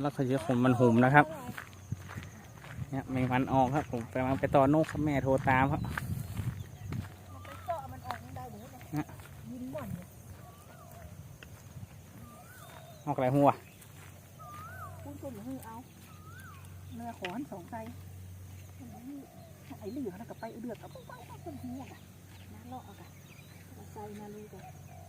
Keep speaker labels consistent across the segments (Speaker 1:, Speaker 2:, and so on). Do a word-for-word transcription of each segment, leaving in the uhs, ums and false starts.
Speaker 1: แล้วเขาจะขนมันหุ่มนะครับเนี่ยแมงวันออกครับผมกำลังไปต่อนกครับแม่โทรตามครับออกอะไรหัว
Speaker 2: พูดพูดหรือเอาเนื้อขอนสองไตไอ้เหลือแล้วก็ไปเดือดเอาไปไปเอาเป็นหัวกันน้ำเลาะเอากันเอาใส่มาเลยกัน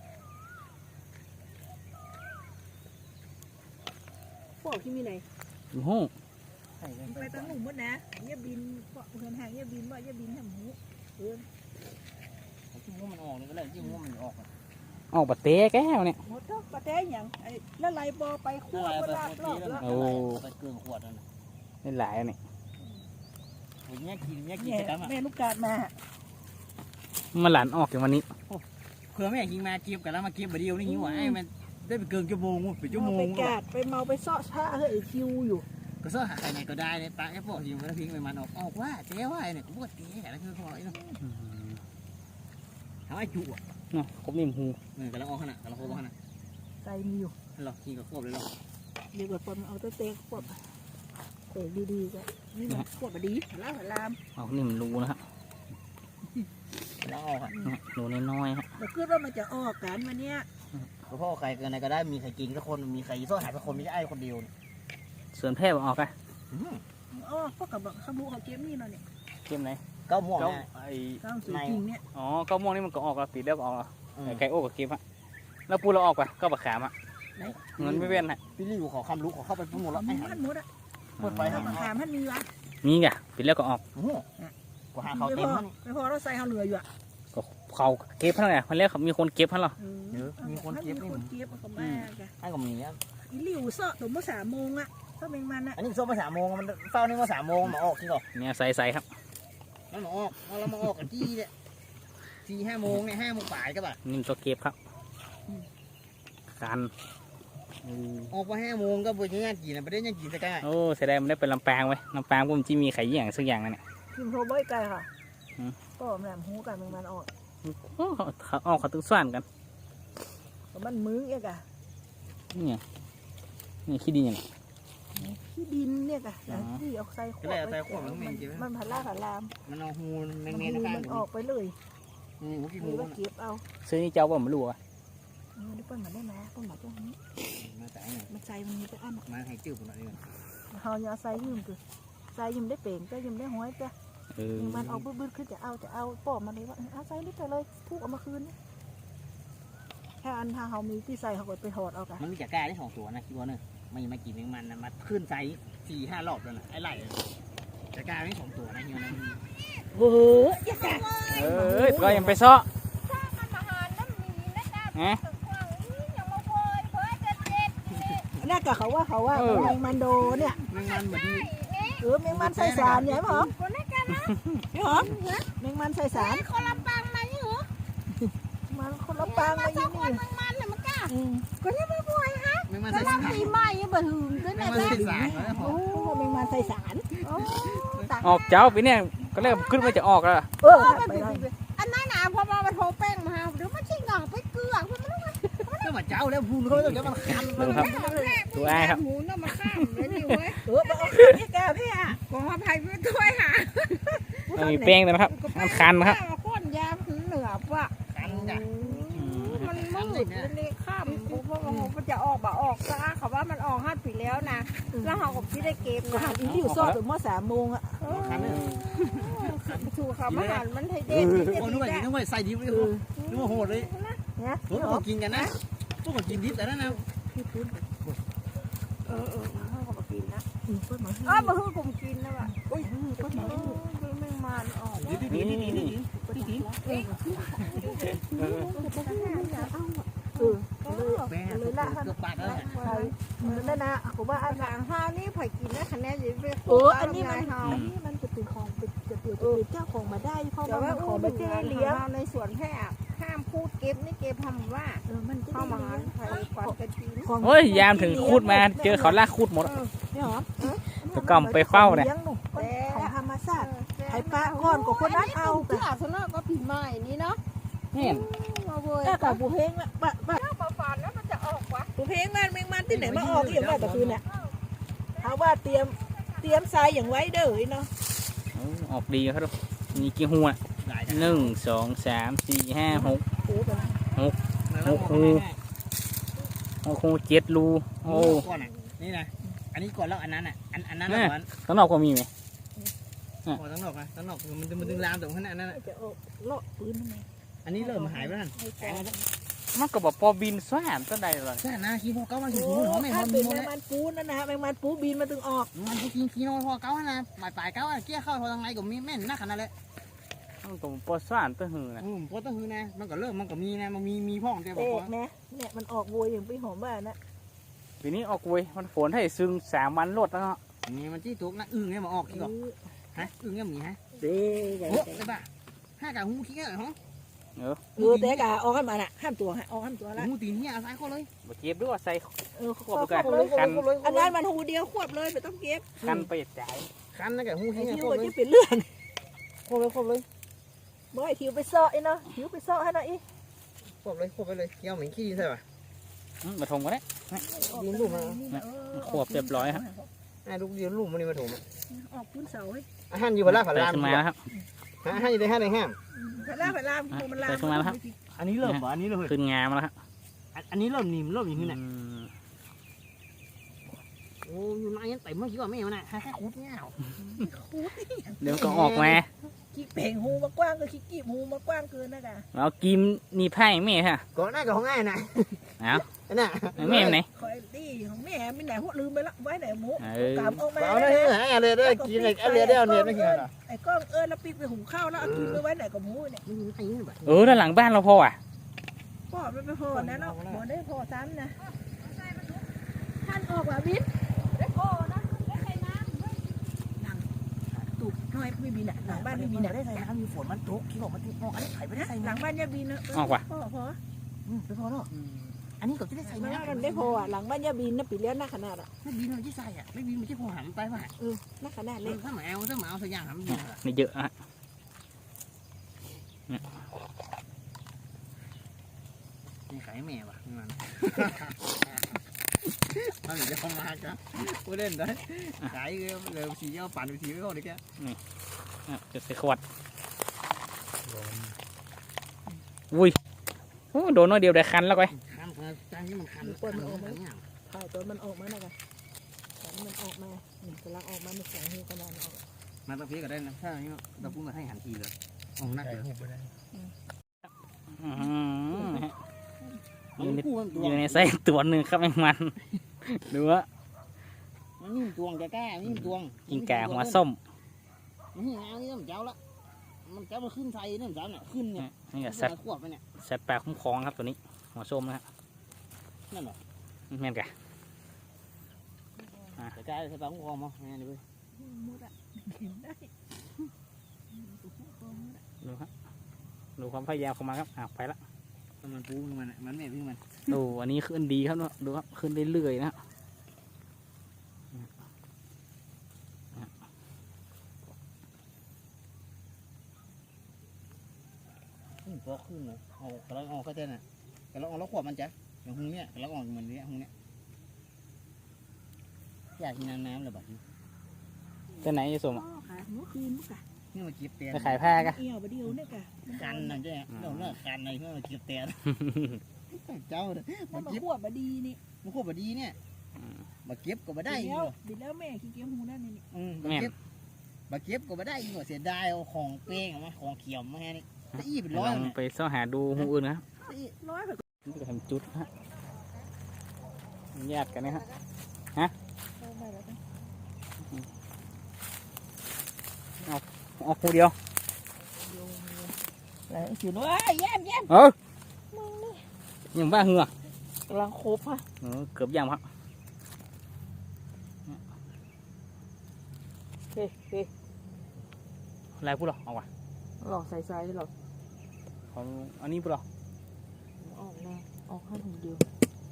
Speaker 2: พวกที่มีไหน
Speaker 1: โอ้โห
Speaker 2: ไปตั้งหนุ่มมดนะเยี่ยบินเกาะเฮือนห่างเยี่ยบินว่าเยี่ยบินแหมหมูเฮือน
Speaker 3: จิ้มหัวมันออกนี่ก็เลยจิ้มหัวมันออก
Speaker 1: ออกปะเต้แก้วเนี่ย
Speaker 2: หมดทุกปะเต้อย่างไอ้แล้วไหลบอไปขวดก็ลาบรอบแล้ว
Speaker 1: โอ้
Speaker 3: ไปเกลือขวดนั่น
Speaker 1: ไม่หลายเนี่ย
Speaker 3: เนี้ยกินเนี้ยกินจะทำอ่ะ
Speaker 2: แม่ลูกกาดมา
Speaker 1: มาหลานออกอย่างวันนี้
Speaker 3: เพื่อแม่กินมาเก็บกันแล้วมาเก็บมาเดียวนี่หิวไอ้มันได้ไปเกินชั่วโมงไปชั่วโมง
Speaker 2: ไปกาดไปเมาไปเสาะชาเฮ้ยคิวอยู่
Speaker 3: ก็เสาะหาใครไหนก็ได้เลยปลาแอปเปิลยิงแล้วทิ้งไปมันออกออกว่าเจ๊ว่าเนี่ยกูบอกเจ๊แล้วคือเขาไอ้เนาะทำไอ้จุอ่ะ
Speaker 1: เนาะครบนิ่มหู
Speaker 3: เออกำลังออกขนาดกำลังโค้งขนาด
Speaker 2: ใจมีอยู่
Speaker 3: หรอกินกับควบเลยหรอ
Speaker 2: เดี๋ยวก่อนเอาตัวเต๊กควบเต๊กดีๆกันนี่มันควบมาดีล้างลาม
Speaker 1: ออกนิ่มรูนะครับ
Speaker 3: แล้วออกอ่ะ
Speaker 1: รูน้อยๆครับ
Speaker 2: แต่คิดว่ามันจะออกกันวันเนี้ย
Speaker 3: พ่อใครเกินไหนก็ได้มีใครกินสักคนมีใครซ่อนหายสักคนไม่ใช่ไอ้คนเดียว
Speaker 1: ส่วนแพร่ออกอ่ะ
Speaker 2: อ๋อพวกกับขบุเขาเก็บนี่เนาะเนี่ย
Speaker 1: เก็บไหน
Speaker 3: เก้าม่วง
Speaker 1: ไอ้
Speaker 2: ในเนี่ย
Speaker 1: อ๋อเก้าม่วงนี่มันก็ออกแล้วปีเดียวก็ออกแล้วไก่โอ้กับเก็บฮะแล้วปูเราออกป่ะก็บักขามอ่ะเงินไม่เว้นฮะ
Speaker 3: พี่ลี่อยู่ขอคำรู้ขอเข้าไปพูดหมดแล้วไอ้หัน
Speaker 2: หมดอ่ะ
Speaker 3: หมดไป
Speaker 2: บักขามท่านมีวะ
Speaker 1: มีไงปีแล้วก็ออก
Speaker 3: โอ้ก็หาเขาเต็มแล้ว
Speaker 2: ไม่พอเราใส่เขาเหลืออยู่อ่ะ
Speaker 1: ก็เขาเก็บเท่าไหร่มันเรียกมีคนเก็บเท่าไหร่
Speaker 3: เยอะมีคนเก็บนี่
Speaker 2: คนเก็บก็มา
Speaker 3: ไอ้ก็มีอ่ะ
Speaker 2: อีหลิวเสาะถึงเมื่อสามโมงอ่ะก็เมงมันอ่ะ
Speaker 3: อันนี้ส้มมาสามโมงมันเฝ้านี่มาสามโมงมาออกที่ก่อน
Speaker 1: เนี่ยใส่ใส่ครับ
Speaker 3: มันมาออกเรามาออกกันที่เนี่ยสี่ห้าโมงเนี่ยห้าโมงป่ายก็แบบ
Speaker 1: นี่ตัวเก็บครับการ
Speaker 3: ออกมาห้าโมงก็บุญงานกินนะไม่ได้งานกินสักแก่
Speaker 1: โอ้แสดงมันได้เป็นลำปางไว้ลำปางผมจีมีไข่อย่างสักอย่างนั่นแหละ
Speaker 2: พิมพ์โทรบ่อยไกลค่ะก็แหลมหูกันมันออก
Speaker 1: เขาออกเขาตึกส่วนกัน
Speaker 2: มันมือเอกอะ
Speaker 1: นี่ไงนี่ขี้ดินยัง
Speaker 2: ขี้ดินเนี่ยกะที่ออกใส่ขวดมันผัดล่าผัดลาม
Speaker 3: มันเอาหูแมงเมน
Speaker 2: มันออกไปเลย
Speaker 3: นี่หูกี่หู
Speaker 2: เก็บเอา
Speaker 1: ซื้อนี่เจ้าบ่มาลูกอ่ะ
Speaker 2: นี่เปิ้ลมาได้ไหมเปิ้ลมาตรงนี้
Speaker 3: มาใส่
Speaker 2: มาใส่มันมีแต่อัน
Speaker 3: มาให้จืดคนละนี่
Speaker 2: เขาอย่าใส่ยืมคือใส่ยืมได้เป่งก็ยืมได้ห้อยจ้ะมันเอาบื้อๆขึ้นจะเอาจะเอาปอบมาเลยว่าเอาใส่นิดเลยทุกเอามาคืนแค่อันทางเขามีที่ใส่เขาก็ไปถอดเอากัน
Speaker 3: มันมีจากแก่ได้สองตัวนะคิดว่าเนอะไม่มากินแมงมันนะมาขึ้นไซส์สี่ห้ารอบแล้วนะไอ้ไหล่จากแก่ได้สองตัวนะเฮียนะ
Speaker 2: โอ้โห
Speaker 1: เอ้ยก็ยังไปซ้อฮะ
Speaker 2: น่าจะเขาว่าเขาว่าแมงมันโดเนี่ย
Speaker 3: แมงมันเหมือน
Speaker 2: เออแมงมันใส่สารเนี่ยหรอนี่หรอแมงมันใส่สาร
Speaker 4: คนละปังมานี่หรอ
Speaker 2: มันคนละปังมาอยู่นี่
Speaker 4: แมงมันเนี่ยมันกล้าก็ยังไม่ป่วยฮะ
Speaker 3: แมงมันใส่สาร
Speaker 4: ปีใหม่ยังบ่ถึงด้วยนะ
Speaker 2: โอ้แมงมันใส่สาร
Speaker 1: ออกเจ้าปีนี้ก็เริ่มขึ้นมาจะออกแล้ว
Speaker 2: เออ
Speaker 4: อันนั้นนะพอมาโทรแป้งมาหรือมันชิงอ่ะไปเกลือคุณมัน
Speaker 3: ก็มาเจ้าแล้วพูนเขาจะมันคัน
Speaker 1: ดูครับดูไอ้ครับ
Speaker 4: หมูน่ะมาข้ามเลยดิเว้ย
Speaker 2: เออเอาพี่แกพี่อ่ะ
Speaker 4: ขออภัยไม่ด้วยค่ะ
Speaker 1: มีแป้งเลยนะครับมันคันนะครับ
Speaker 4: ก้นยาเหนือว่ะ
Speaker 3: คันจ้ะ
Speaker 4: มันมืดเลยข้ามปุ๊บเพราะว่ามันจะออกบ่ออกซะเขาว่ามันออกห้าปีแล้วนะแล้วเขากับที่ได้เก็บ
Speaker 2: นะอีอยู่ซอดถึงเมื่อสามโมงอ่ะ
Speaker 4: ถูกค่ะอาหารมันไทยเด็ด
Speaker 3: โอ้นึกว่านึกว่าใส่ดิบเลยนึกว่าโหดเลย
Speaker 2: เนี่ย
Speaker 3: พวกเรากินกันนะพวกเรากินดิบแต่นั่นนะ
Speaker 4: เออเออเขาก็กินนะ
Speaker 2: อ๋อ
Speaker 4: มาฮื้อกลุ่มกินนะว่ะ
Speaker 2: อุ้ยก็มาฮื้อ
Speaker 4: แมงมันออก
Speaker 3: นี่นี่นี่นี่นี่
Speaker 2: เออเลยละฮะนั่นนะผมว่าอัน
Speaker 4: หางห้าวนี่ผ่กินนะคะแนนยิ่งไป
Speaker 2: โอ้อันนี้มันอันนี้มันจะเป็นของเป็นจะเปลี่ยนเป็นเจ้าของมาได้เพราะว่ามันของมันจะเลี้ยง
Speaker 4: ในสวนแค่ห้ามพูดเก็บนี่เก็บทำว่า
Speaker 2: เออมันจะ
Speaker 4: เข้ามาหาใครก่อนกันที
Speaker 1: โอ้ยยามถึงคูดมาเจอเขาลากคูดหมด
Speaker 2: เนี่ยหรอ
Speaker 1: ตะกำไปเฝ้าเนี่ย
Speaker 2: ของธรรมชาติไอ้ปลาก้อนกับคนนั้นเอา
Speaker 4: ที่อาสนะก็ผีใหม่นี่เนาะ
Speaker 1: เห็น
Speaker 2: แต่กับผู้เพลงละปะปะ
Speaker 4: ปลาฝานแล้วมันจะออกวะ
Speaker 2: ผู้เพลงมันแมงมันที่ไหนมาออกอย่างไรแต่คืนเนี่ยเขาว่าเตรียมเตรียมทรายอย่างไว้เด้อเนาะ
Speaker 1: เอาออกดีครับทุกมีกี่หัว
Speaker 3: หลาย
Speaker 1: หนึ่งสองสามสี่ห้าหก
Speaker 2: ปูไปแล้ว
Speaker 1: โอ้โห โอ้โหเจ็ดรู
Speaker 3: โอ้
Speaker 1: โอ้
Speaker 3: ก่อนอ่ะนี่นะอันนี้ก่อนแล้วอันนั้นอ่ะอันอันนั้น
Speaker 1: แม่
Speaker 3: ก่อน
Speaker 1: ข้างนอกก็มีไหม
Speaker 3: พอทั้งนอกนะทั้งนอกมันจะมันดึงลามตรงขนาดนั้นอ่ะ
Speaker 2: จะเอาเลาะปืนทำไม
Speaker 3: อันนี้เริ่มหายไปแล้วนั่น
Speaker 2: ให้
Speaker 3: หายไปแล้ว
Speaker 1: มันก็บอกพอบินสวามต้นใดเลย
Speaker 3: ใช่นะขี้พอเก้ามันขี้
Speaker 2: โอ้
Speaker 3: หูหอมไม่หอ
Speaker 2: ถ้าม
Speaker 3: มี
Speaker 2: เป็น
Speaker 3: หมด
Speaker 2: แม
Speaker 3: แล้ว
Speaker 2: งมันปูนั่นนะฮะแมงมันปูบินมาถึงออก
Speaker 3: มันขี้ขี้น้อยพอเก้านะปลายปลายเก้าเกี้ยเข้าพอทางไหนก็มีแม่นนักขนาดเลย
Speaker 1: มันก็พอสวามต้นหือนะ
Speaker 3: อืมพอต้องคือนะมันก็เริ่มมันก็มีนะมันมีมีพ่องแต่บ
Speaker 2: เอ
Speaker 3: อก
Speaker 2: ก
Speaker 3: ว่า
Speaker 2: นะเนี่ยมันออกโวยอย่างไปหอมบ้านนะ
Speaker 1: ปีนี้ออกเว้ยมันฝนให้ซึงสามวันรดแล้วเนาะ
Speaker 3: อันนี้มันจี้ตุกนะอึ้งเนี่ยมาออกขี้ก่อนฮะอึ้งเนี่ยมีฮะ
Speaker 2: เด้อ
Speaker 3: โอ้ได้ป่ะห้ากะหูขี้เนี่ยเหรอ
Speaker 2: เออแต่กะออกให้มาน่ะห้ามตัวให้ออกห้ามตัวละ
Speaker 3: หูตีนเนี่ยเอาซ้ายเข้าเลย
Speaker 1: มาเก็บด้วยใส่
Speaker 2: เออ
Speaker 1: ควบด้วยกัน
Speaker 2: เลย
Speaker 1: กัน
Speaker 2: อันนั้นมันหูเดียวควบเลยไม่ต้องเก็บ
Speaker 1: กันไปจ่าย
Speaker 3: คันนะกะหู
Speaker 2: ไอ้
Speaker 3: ขี้เนี่ย
Speaker 2: ทิว
Speaker 3: เข้า
Speaker 2: ก็
Speaker 3: เลย
Speaker 2: จะเป็นเลือด
Speaker 3: เข้าเลยเข้าเลย
Speaker 2: บ่ไอ้ทิวไปเซาะไอ้เนาะทิวไปเซาะให้หน่อยอี
Speaker 3: เข้าเลยเข้าไปเลยเกี่ยวเหม็นขี้ใช่ป่ะ
Speaker 1: อืมมาทงกันเลย
Speaker 3: ดินลูกมา
Speaker 1: ควบเรียบร้อยครับ
Speaker 3: ไอ้ลูกเดียวลูกมันนี่มาถูก
Speaker 2: ออกพื้นเสาให้
Speaker 3: อาหารอยู่บนล่างผัน
Speaker 1: ใส่
Speaker 3: ลาม
Speaker 1: ขึ้นมาแล้วครับ
Speaker 3: อาหารอยู่ในห้างในห้าง
Speaker 2: พลามพลามมันลาม
Speaker 1: ใส่ขึ้นมาแล้วครับ
Speaker 3: อันนี้เริ่มเหรออันนี้เริ่ม
Speaker 1: ขึ้นงามแล้วครับ
Speaker 3: อันนี้เริ่มนิ่มเริ่มอย่างนี้นะ
Speaker 1: อืม
Speaker 3: โอ้อยู่ในยันเต็มเมื่อกี้ว่าไม่เอาน่ะแค่คุดเงี้ย
Speaker 1: เดี๋ยวก็ออกมา
Speaker 2: ขี้เพ่งหูมากว้างก็ขี้กีบหูมากว้างเกินนะกะ
Speaker 1: เรากิมนี่ไพ่แม่ฮะ
Speaker 3: ก่อนหน้ากับของง่ายนะ
Speaker 1: เอ้า
Speaker 3: น่ะ
Speaker 1: แม่ไหน
Speaker 2: คอยดีของแม่ไม่ไหนหัวลืมไปละไว้ไหนหมู
Speaker 1: เออก
Speaker 2: ลับออกมา
Speaker 3: เอาได้หาอะไรได้กินอะไรอะไรได้เอาเนี่ยไม่กินหรอ
Speaker 2: ไอ้ก้องเอิญแล้วปีกไปหุงข้าวแล้วเอากินไปไว้ไหนกับหมูเนี่ย
Speaker 3: ไม่มีไอ้นี่แบบ
Speaker 1: เออด้านหลังบ้านเราพออ่ะ
Speaker 2: พ่อมันไปพอนะเนาะบ่ได้พอซ้ำนะท่านออกว่าบินได้พอนะได้ใส่น้ำหลังตุกน้อยไม่บินอ่ะหลังบ้านไม่บินอ่ะ
Speaker 3: ได้ใส่น้ำมีฝนมันตกที่บอกมันตกอันนี้ไข่ไม่ได้ใส่
Speaker 2: หลั
Speaker 3: น้
Speaker 2: งบ้านยาบินนะ
Speaker 1: ออกว่ะ
Speaker 2: พ่อพอ
Speaker 3: ำอืมไปพอเนาะอันนี้ก็จะได้ใส่
Speaker 2: มัน
Speaker 3: น้ำ
Speaker 2: มันได้พออ่ะหลังบ้านยาบินนะปีเลี้ยงหน้าขนาดอ่ะ
Speaker 3: ไม่บินมันจะใส่อ่ะไม่บินมันจะพอหันไปป่ะ
Speaker 2: เออหน้าขนาด
Speaker 3: เล
Speaker 2: เล็
Speaker 3: ย
Speaker 2: ก
Speaker 3: ถ้าหมาเอาถ้าหมาเอาสักอย่างทำบิน
Speaker 1: นี่เยอะฮะ
Speaker 3: นี่ไข่แม่ป่ะมันมันจะเข้ามาครับกูเล่นได้ขายเลยสีเอาปั่นสีเอาเลยแก
Speaker 1: อ่ะจะใส่ขวดอุ้ยโอ้โดนน้อยเดียวได้คันแล้วก้อย
Speaker 3: คันจานนี้มันคัน
Speaker 2: ถ่ายตัวมันออกมาหน่อยกันตอนมันออกมาหนึ่งกำลังออกมาในแสงหูขนาดออก
Speaker 3: มาตะเพียก็ได้นะถ้าอย่างนี้เราพูดมาให้หันทีเลยออกนักเลย
Speaker 1: อื้อหืออยู่ใน
Speaker 3: กู้มันตัว
Speaker 1: อยู่ในไส้ตัวหนึ่งครับแมงมันดูว่า
Speaker 3: มันนิ่มตวงแกกล้านิ่มตวง
Speaker 1: กินแก่หัวส้ม
Speaker 3: มันนี่เอานี่มันเจ้าละมันเจ้ามันขึ้นไทยนี่มันเจ้าเนี่ยขึ้นเนี่ย
Speaker 1: นี่ก็สัตว์
Speaker 3: ขวบไปเนี่ย
Speaker 1: สัตว์ป่าคุ้มครองครับตัวนี้ หัวส้มนะครับ
Speaker 3: นั่นเหรอ
Speaker 1: แม่นกะ
Speaker 3: แต่กล้าใส่ปลาคุ้มครองมั้งนี่เลย
Speaker 2: มุดอ่ะเห็นได้
Speaker 1: ดูครับดูความพยายามของมันครับอ้าวไปละ
Speaker 3: มันปูมันมันแม่พี่มัน
Speaker 1: ดูอันนี้ขึ้นดีครับเนาะดูครับขึ้นเรื่อยๆนะ
Speaker 3: พอขึ้นเลยเอากระลังออกก็เจน่ะกระลังออกแล้วขวบมันจ้ะอย่างหงเนี้ยกระลังออกเหมือนเนี้ยหงเนี้ยอยากกินน้ำน้ำเลยแบบนี้
Speaker 1: ตัวไหนจะสม
Speaker 2: พ่อค่ะเมื่อคืนมั้งกะ
Speaker 3: นี่มาเก็บเตียน
Speaker 1: จะขายผ้ากะ
Speaker 2: เอี่ยวบะเดียวเนี่ยกะ
Speaker 3: กันนั่นใช่ไหมเราเลิกกันในเพื่อมาเก็บเตียนเจ้าเลย
Speaker 2: มั
Speaker 3: มาน
Speaker 2: มา
Speaker 3: เก็บ
Speaker 2: ขวบบะดีนี่
Speaker 3: มันขวบดีเนี่ยมาเก็บก็มาได้
Speaker 2: บิ
Speaker 3: อี
Speaker 2: ด
Speaker 3: ก
Speaker 2: แล้ว
Speaker 3: เหรอ
Speaker 2: บิดแล้วแม่ขี้เกียจหูนั่นนี่
Speaker 3: อืมมาเก็บมาเก็บก็มาได้อีกเหรอเสียดายเอาของเป้งมาของเขียวมาแค่นี้แต่อีเป็นร้
Speaker 1: ล
Speaker 3: อย
Speaker 1: อง
Speaker 3: เนี่ย
Speaker 1: ไปเสาะหาดูหูอื่นนะครับ
Speaker 2: ร้อยแบบ
Speaker 1: นี่ก็ทำจุดฮะญาติกันนะฮะ
Speaker 2: เอาไปแล้วกัน
Speaker 1: ออกหูเดียว
Speaker 2: อะไรสิน้อยแย้มแย้ม
Speaker 1: เออยังบ้าเหงือก
Speaker 2: ำลังครบฮะ
Speaker 1: เออเกือบยำครับ
Speaker 2: เฮ้เฮ้
Speaker 1: อะไรพูดหรอเอาว่ะ
Speaker 2: หลอกใส่ใส่หลอก
Speaker 1: เอาอันนี้พูดหรอ
Speaker 2: ออกแน่ออกให้ถุงเดียว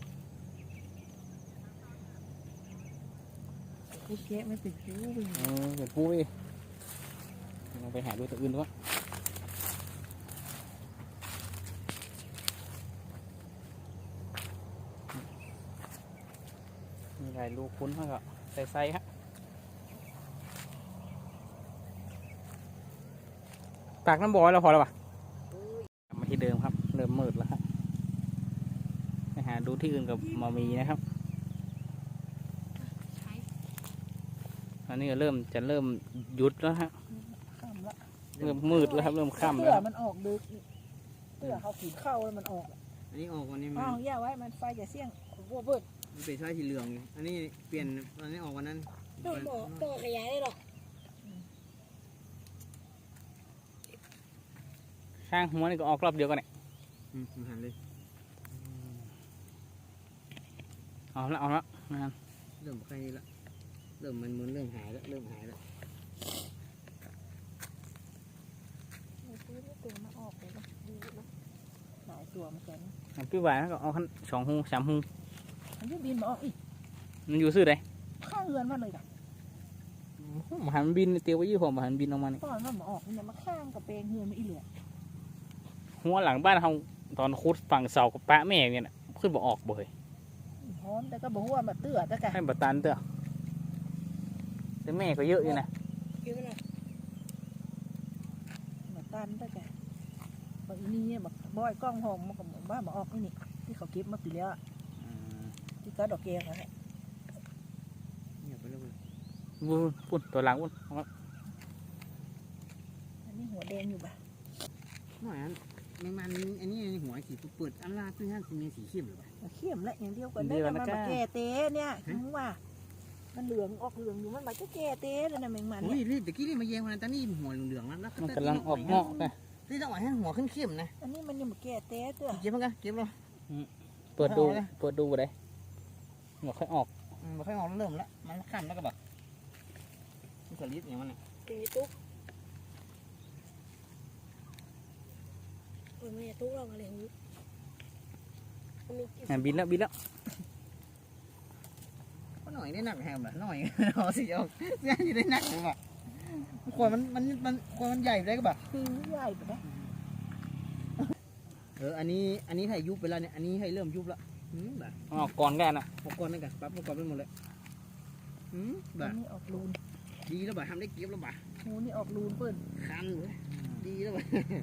Speaker 2: ไม่แกะไม่ติดคิ้วไป
Speaker 1: เออเดี๋ยวพูดไปเราไปหาดูตัวอื่นด้วยมีหลายลูกคุ้นมากอ่ะใส่ไส้ฮะตากน้ำบ่อยแล้วพอแล้วปะกลับมาที่เดิมครับเริ่มมืดแล้วครับไปหาดูที่อื่นกับมามีนะครับอันนี้ก็เริ่มจะเริ่มหยุดแล้วฮะ
Speaker 2: ค่ำละ
Speaker 1: เริ่มมืดแล้วครับเริ่มค่ำ
Speaker 2: เสื้
Speaker 1: แล้ว
Speaker 2: อมันออกดึกเสื้อเขาขีดเข้าแล้วมันออก
Speaker 3: อันนี้ออกวันนี้
Speaker 2: อ้า
Speaker 3: มั
Speaker 2: วน ย่าไว้มันไฟจะเสี่ยงวัวเบิด
Speaker 3: มันเป็นไฟสีเหลืองอยู่อันนี้เปลี่ยนอันนี้ออกวันนั้น
Speaker 4: โดนบ่โดนขยายได้หรอ
Speaker 1: ข้างหัวนี่ก็ออกรอบเดียวกันเนี่ย
Speaker 3: อืมหันเลย
Speaker 1: เอาละเอาละนะครับ
Speaker 3: เริ่มใกล้ละเริ่มมันมึนเริ่มหายแล้วเริ่มหายแล้ว
Speaker 2: มีปืนไม่เต็มมาออกเลยนะดีนะหลายตัวเหมือนกัน
Speaker 1: อันพี่หวานก็เอาขั้นสองหูสามหู
Speaker 2: มันจะบินมาออกอีก
Speaker 1: มันอยู่ซื่อใด
Speaker 2: ข้างเรือนมาเลยจ้ะ
Speaker 1: มหันบินเตียวไว้ยี่ห้อมหันบินออกมานี่
Speaker 2: ตอนมันมาออกมันจะมาข้างกับเปลงเรือนไม่อีเหลือ
Speaker 1: หัวหลังบ้านเขาตอนคุดฝั่งเสากับปะแม่เนี่ยน่ะขึ้นบ่ออกบ่เลย
Speaker 2: หอมแต่ก็บอกว่ามาเตื้อแต่กะ
Speaker 1: ให้บัตันเต้อแต่แม่ก็เยอะอยู่นะ
Speaker 4: เยอะเลย
Speaker 2: มาตันแต่กะบอกอีนี่เนี่ยบอกบอยกล้องหอมมันก็บอกว่ามาออกนี่นี่ที่เขาเก็บมาปีแล้วอะ
Speaker 1: อืม
Speaker 2: ที่ก็ดอกแกงอะฮะ
Speaker 3: เงียบไปแล้วเลย
Speaker 1: วุ้นพุ่นตัวหลังวุ้นเอาละ
Speaker 2: อันนี้หัวแดงอยู่บ่ะ
Speaker 3: หน่อยอันแมงมันอันนี้หัวสีเปิดอันลาตื้อห้าสีเมียสีเข้มหรือเปล่า
Speaker 2: เขี้ยมและอย่างเดียวกันได้แต่มันมาแก่เต้เนี่ยถึงว่า มันเหลืองออกเหลืองอยู่มันมาจะแก่เต้เลยนะแมงมัน
Speaker 3: โอ้ย
Speaker 2: เนี่ย
Speaker 3: นี่ตะกี้นี่มาแยงมันตอนนี้หัวเหลืองๆแล้วแล้ว
Speaker 1: มันกำลังออกงอกนะ
Speaker 3: ที่ต้องให้หัวขึ้นเข้มนะ
Speaker 2: อันนี้มันยังมาแก่เต้เตื้อ
Speaker 3: เก็บมันกันเก็บเลย
Speaker 1: เปิดดูเปิดดูบ่ได้หมดค่อยออก
Speaker 3: มันค่อยออกเริ่มแล้วมันขั้นแล้วก็แบบมันสลิดอย่างมัน
Speaker 4: ตีตุ๊กโอ้ยไม่ตุ๊กเราอะไรหู
Speaker 1: อ่ะบินแล้วบินแล้ว
Speaker 3: ก็หน่อยได้หนักแฮมแบบหน่อยเอาสิเอาเส้นนี่ได้หนักหรือเปล่าขวดมันมันมันขวดมันใหญ่ได้ก็แบบ
Speaker 2: ปีนใหญ่ไปนะ
Speaker 3: เอออันนี้อันนี้ให้ยุบไปแล้วเนี่ยอันนี้ให้เริ่มยุบแล้วอืมแบบ
Speaker 1: ออกก่อนกันนะ
Speaker 3: อุปกรณ์นั่นกันปั๊บอุปกรณ์ไปหมดเลยอืมแบ
Speaker 2: อั
Speaker 3: บ
Speaker 2: นนี้ออกรูน
Speaker 3: ดีแล้วบ่ทำได้เก็บแล้วบ่
Speaker 2: หูนี่ออกรูนเปิ้น
Speaker 3: คันเลยดีแล้วบ่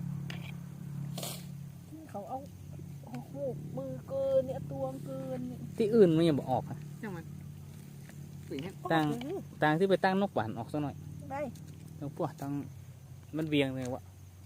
Speaker 2: ที่เขาเอาโอ้โหมือเกินเนี่ยตวงเกินเนี่ย
Speaker 1: ที่อื่นมันยังบ่ออกอะ
Speaker 3: จังมันปุ๋ยเนี่ย
Speaker 1: ตั้ง
Speaker 2: ออกเลย
Speaker 1: ต่างที่ไปตั้งนกหวานออกซะหน่อย
Speaker 2: ได้
Speaker 1: แล้วพวกตั้งมันเวียงเลยวะ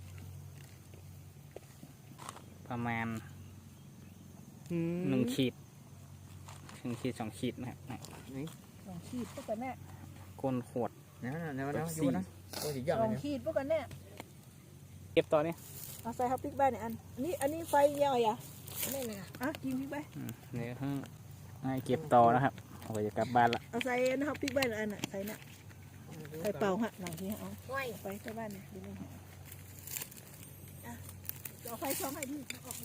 Speaker 1: ประมาณหนึ่งขีดหนึ่งขีดสองขีดนะครับ
Speaker 2: ลองขีดพวกกันแน่
Speaker 1: ก้นขวด
Speaker 3: เดี๋ยวนะเดี๋ยวนะอยู่นะตัวสีหย่อน
Speaker 2: ลอง
Speaker 3: เลย
Speaker 2: ขีดพวกกันแน่
Speaker 1: เก็บตอนนี้
Speaker 2: เอาใส่ฮับปิ๊กบ้านเนี่ยอันอันนี้อันนี้ไฟยาวอ่ะ
Speaker 4: ไม่นะ
Speaker 2: อ่ะกินพริกไป
Speaker 1: อืมเดี๋ยวให้เก็บต่อนะครับเอาไปจะกลับบ้านละ
Speaker 2: เอาใส่ฮับปิ๊กบ้านอันน่ะใส่น่ะใส่เป่าฮะหลังที่เอา
Speaker 4: ไหว
Speaker 2: ไปใส่บ้านเนี่ยดูเลยอ่ะเอาไฟช่องให้ดิออกอยู่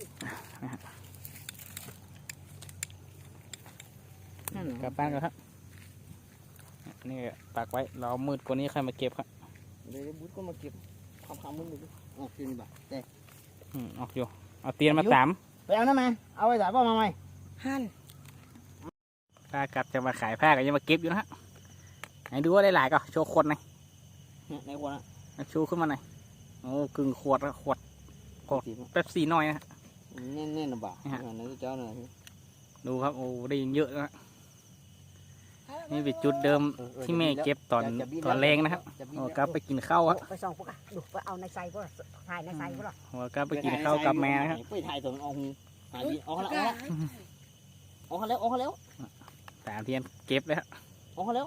Speaker 1: กลับบ้านกันครับนี่ตากไว้เรามืดกว่านี้ใครมาเก็บครับ
Speaker 3: เดี๋ยวบุ๊ดก็มาเก็บความคำมึงดูออกคืนบ่แต่
Speaker 1: อืมออกอยู่เอาเตียนมาสาม
Speaker 3: ไปเอาน้ำมาเอาไว้สายพ่อมาใหม่
Speaker 4: หั่น
Speaker 1: ถ้ากลับจะมาขายผ้าก็ยังมาเก็บอยู่นะฮะไหนดูว่าได้หลายก็โชว์ขวดหน่อย
Speaker 3: ในคนละ
Speaker 1: เอาชูขึ้นมาหน่อยโอ้กึ่งขวดละขวด
Speaker 3: ขอสี
Speaker 1: แป๊บซี่น้อยนะฮะ
Speaker 3: แน่นแน่นบ่าในเจ้าหน่อย
Speaker 1: ดูครับโอ้ได้เยอะแล้วนะนี่เป็นจุดเดิมที่แม่เก็บตอนตอนแรงนะครับโอ้กลับไปกินข้าวครับ
Speaker 5: ไปส่องพวกอ่ะดูไปเอาในไซพวกถ่ายในไซพวก
Speaker 1: โอ้กลับไปกินข้าวกับแม่นะครับ
Speaker 3: ไปถ่ายตัวมันออกหูหายดีออกแล้วออกแล้วออกแล้ว
Speaker 1: สามเทียนเก็บเลยครับ
Speaker 3: ออกแล้ว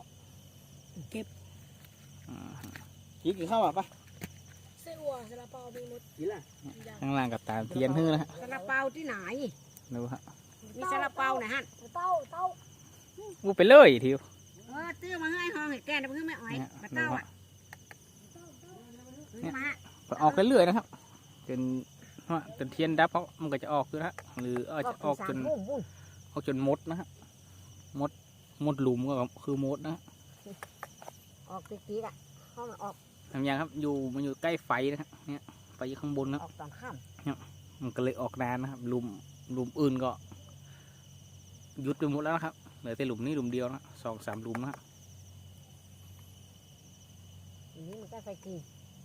Speaker 1: อืม
Speaker 3: กินกินข้าวอ่ะปะ
Speaker 4: เส้นอัวซาลาเปามีหมด
Speaker 3: กินละ
Speaker 1: ข้างล่างกับตามเทียนฮื้อนะฮะ
Speaker 5: ซาลาเปาที่ไหน
Speaker 1: ดูฮะ
Speaker 5: มีซาลาเปาไหนฮะ
Speaker 4: เต้าเต้า
Speaker 1: อู้ไปเลยทิว
Speaker 5: เออตื้อมาให้ห้องให้แกนะเพิ่งไม่อ่อยมาเต้าอ่ะมา
Speaker 1: ก็ออกเรื่อยๆนะครับจนว่าจนเทียนดับเขามันก็จะออกอยู่นะหรืออาจจะออกจน
Speaker 5: บุ้มบุ้ม
Speaker 1: ออกจนมดนะฮะมดมดหลุมก็คือมดนะฮะ
Speaker 5: ออกตีๆอ่ะห้องออก
Speaker 1: ทำยังครับอยู่มันอยู่ใกล้ไฟนะฮะเนี่ยไฟอยู่ข้างบนนะ
Speaker 5: ออกตอนค่
Speaker 1: มันก็เลยออกนานนะครับหลุมหลุมอื่นก็หยุดไปหมดแล้วนะครับเหลือแต่หลุมนี้หลุมเดียวนะสองสามหลุมนะฮะ
Speaker 5: ำทีนี้มันก็ใส่กี่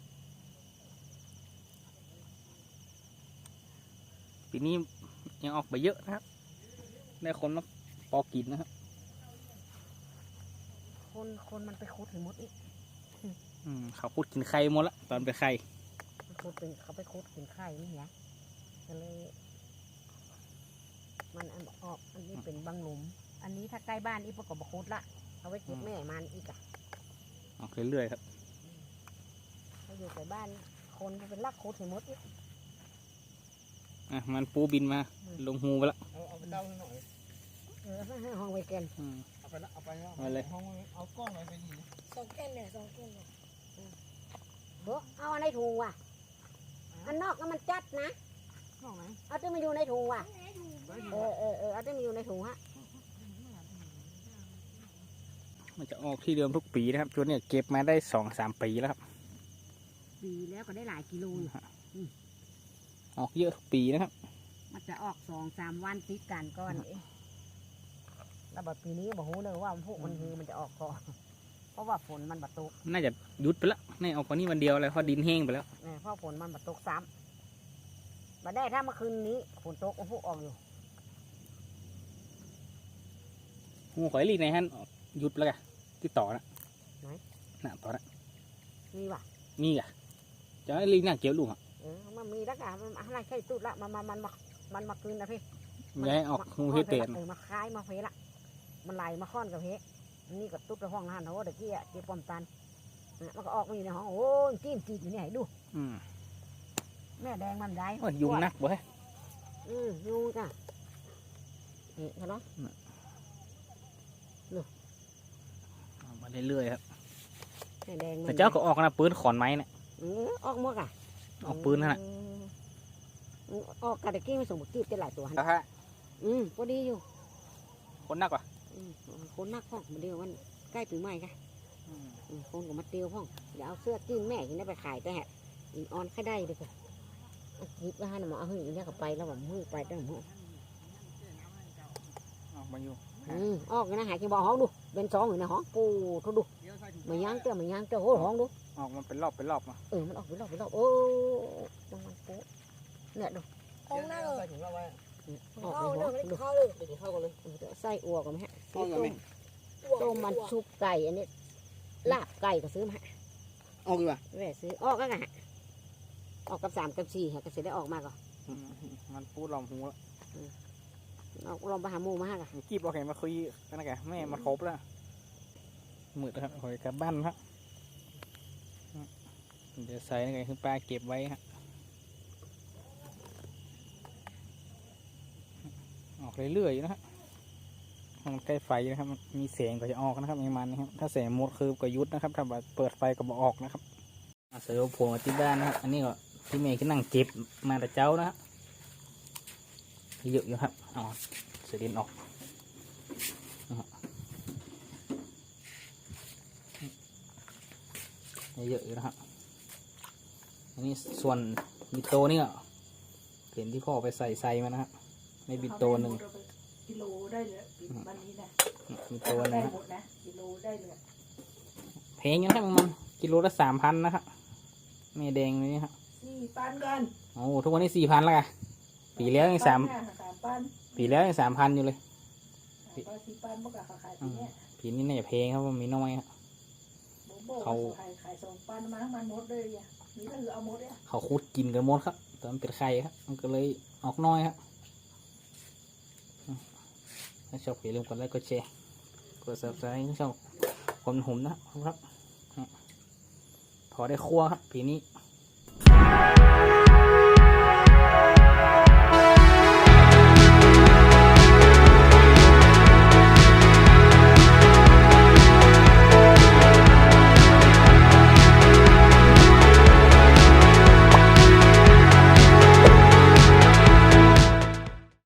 Speaker 1: ปีนี้ยังออกไปเยอะนะครับได้คนมาปอกินนะครับ
Speaker 5: คนคนมันไปคุดถึงมดอีก
Speaker 1: อืมเขาพูดกินไข่หมดละตอนไปไข่
Speaker 5: มันคุดเป็นเขาไปคุดกินไข่นี่ไงก็เลย มันอันออกอันนี้เป็นบางหลุม อันนี้ถ้าใกล้บ้านอีพวกก็บคุดละเอาไว้เก็บแม่มันอีกอะ
Speaker 1: ออกเรื่อยๆครับ
Speaker 5: ถ้าอยู่ใกล้บ้านคนมันเป็นลักคุดถึงมดอีก
Speaker 1: อ่ะมันปูบินมาลงหูไปละ
Speaker 3: เอาเอาไปเต้าหน่อย
Speaker 5: เออให้ห้องไว้แกน
Speaker 1: อืม
Speaker 3: เอาไปละเอาไปละ
Speaker 1: เอาเลย
Speaker 3: ห้องเอากล้องไปยิง
Speaker 4: สองแก้นเนี่ยสองแก้นเนี่ย
Speaker 5: เบ้อเอาอันในถุงว่ะอันนอกก็มันจัดนะ
Speaker 3: ห้องไหน
Speaker 5: เอาที่มาอยู่ในถุงว่ะเออเออเออเอาที่มาอยู่ในถุงฮะ
Speaker 1: มันจะออกที่เดิมทุกปีนะครับชุดเนี่ยเก็บมาได้สองสามปีแล้วครับ
Speaker 5: ปีแล้วก็ได้หลายกิโลอยู่
Speaker 1: ออกเยอะทุกปีนะครับ
Speaker 5: มันจะออกสองสามวันติดกันก่อนเองแล้วแบบปีนี้บอกฮู้เลยว่าพวกมันคือมันจะออกก่อนเพราะว่าฝนมันบัดตก
Speaker 1: น่าจะหยุดไปแล้วนี่ออกวันนี้วันเดียวเลยเพราะดินแห้งไปแล้ว
Speaker 5: เนี่ยเพราะฝนมันบัดตกซ้ำมาได้ถ้าเมื่อคืนนี้ฝนตกพวกออกอยู่
Speaker 1: หูข่อยลีกในฮันหยุดแล้วกันที่ต่อนะน่ะต่อนะ
Speaker 5: มีว่ะ
Speaker 1: มีกะจะให้ลีกหน้าเกี่ยวลูกอ่ะ
Speaker 5: เออมันมีแล้วกะมันอะไรใช่ตุดละมันมันมันมามันมาคืนนะพี่
Speaker 1: ไม่ให้ออกหูเฮเตน
Speaker 5: เออมาคล้ายมาเฟละมันไหลมาค้อนกับเฮอันนี้ก็ตุ๊ดในห้องนั่นเขาเด็กกี้อ่ะเจ็บปอมตันอ่ะมันก็ออกมาอยู่ในห้องโอ้ยจิ้มจีดอยู่เนี่ยให้ดู
Speaker 1: อืม
Speaker 5: แม่แดงมันได้
Speaker 1: โอ้ยยุงนักเว้ย
Speaker 5: อืมยุงจ้ะนี่เขาเนาะ
Speaker 1: ออกมาเรื่อยๆครับ
Speaker 5: แม่แดงมัน
Speaker 1: แต่เจ้าก็ออกนะปืนขอนไม้เนี่ย
Speaker 5: เออออกหมดอ่ะ
Speaker 1: ออกปืนนั่นแหละ
Speaker 5: อืมออกกระเด็กกี้ไม่ส่งบุกี้เป็นหลายตัว
Speaker 1: แล้วฮะ
Speaker 5: อืมพอดีอยู่
Speaker 1: คนนักว่ะ
Speaker 5: อืมคนนักพ่องมันเดียวมันใกล้ปีใหม่ค่ะอืมคนก็มาเตียวพ่องเดี๋ยวเอาเสื้อจิ้นแม่กินได้ไปขายแต่ฮะอินออนแค่ได้เลยค่ะเอาหยิบไปให้หน่อยเอาหึ่งเนี่ยเขาไปแล้วแบบมือไปตั้งหมด
Speaker 1: ออกมาอยู่
Speaker 5: อืมออกนะหายกินบ่อห้องดูเป็นสองอยู่ในห้องปูทุดูมาย่างเตี้ยมาย่างเตี้ยโอ้ห้องดู
Speaker 1: ออกมันเป็นรอบเป็นรอบมา
Speaker 5: เออมันออกไปรอบไปรอบโอ้มันมันโป๊ะเนี่ยดู
Speaker 4: ของหน้าเออ
Speaker 3: ใส่ถุงเราไว้
Speaker 5: ออก
Speaker 4: เข้า
Speaker 5: ไป
Speaker 4: เด้
Speaker 5: หั
Speaker 4: อ
Speaker 5: ว
Speaker 4: ไม่ได้
Speaker 5: ดู
Speaker 4: เข้าเลย
Speaker 3: เดี๋ยวเข้ากันเลย
Speaker 5: ไส้อัวกันไหมฮะ
Speaker 3: เข้ากันไหม
Speaker 5: ต้มมันซุปไก่อันนี้ลาบไก่ก็ซื้อมาฮะ
Speaker 3: ออกดีกว่า
Speaker 5: แหวซื้อออกก็ไงฮะออกกับสามกับสี่ฮะก็เสร็จได้ออกมาก่อน
Speaker 1: อืมมันปูดลอมหูแล้ว
Speaker 5: เอาลองไปหาหมูมาฮะก่ะ
Speaker 1: มีกีบเอาแขนมาคุยกันนะแกแม่มันครบแล้วมืดแล้วครับหอยกลับบ้านครับเดี๋ยวใส่ไงคือปลาเก็บไว้ฮะออกเรื่อยๆนะฮะมันใกล้ไฟนะครับมันมีแสงก็จะออกนะครับมันนะครับถ้าแสงหมดคือก็ยุดนะครับถ้าแบบเปิดไฟก็บออกนะครับเอาเสือโผล่มาที่บ้านนะครับอันนี้ก็ที่เมย์ก็นั่งเก็บมาแต่เจ้านะฮะเยอะอยู่ครับอ๋อเสือดินออกเยอะอยู่นะครับอันนี้ส่วนบิโตนี่ก็เห็นที่พ่อไปใส่ใส่มานะครับในบิโตหนึ่ง
Speaker 2: กิโลได้เลยวันนี้นะ
Speaker 1: บิโตหนึ
Speaker 2: ได้
Speaker 1: งนะ
Speaker 2: หมดนะกิโลได้เลย
Speaker 1: แพงอยู่นะครับมันกิโลละสามพันนะครับแม่แดงนี่ครับ
Speaker 2: สี่ปันกัน
Speaker 1: โอ้ทุกวันนี้สี่พันแล้วไงปีแล้วยังสาม
Speaker 2: สามปัน
Speaker 1: ปีแล้วยังสามพันอยู่เลย
Speaker 2: สามปันสี่ปันเมื่อกี้เขาขายปีเนี้ย
Speaker 1: ปีนี้น่าจะแพงครับมันมีน้อยครับ
Speaker 2: โบโบ
Speaker 1: เขา
Speaker 2: ขายขายสองปันมาทั้งมันหมดเลยอ่ะนี่ก็คือเอาหมดเลย
Speaker 1: เขาคุดกินกันหมดครับตอนมันเป็นไข่ครับมันก็เลยออกน้อยครับถ้าชอบอย่าลืมกดไลค์กดแชร์กดซับสไครต์ช่องคนหุ่มนะครับพอได้ครัวครับปีนี้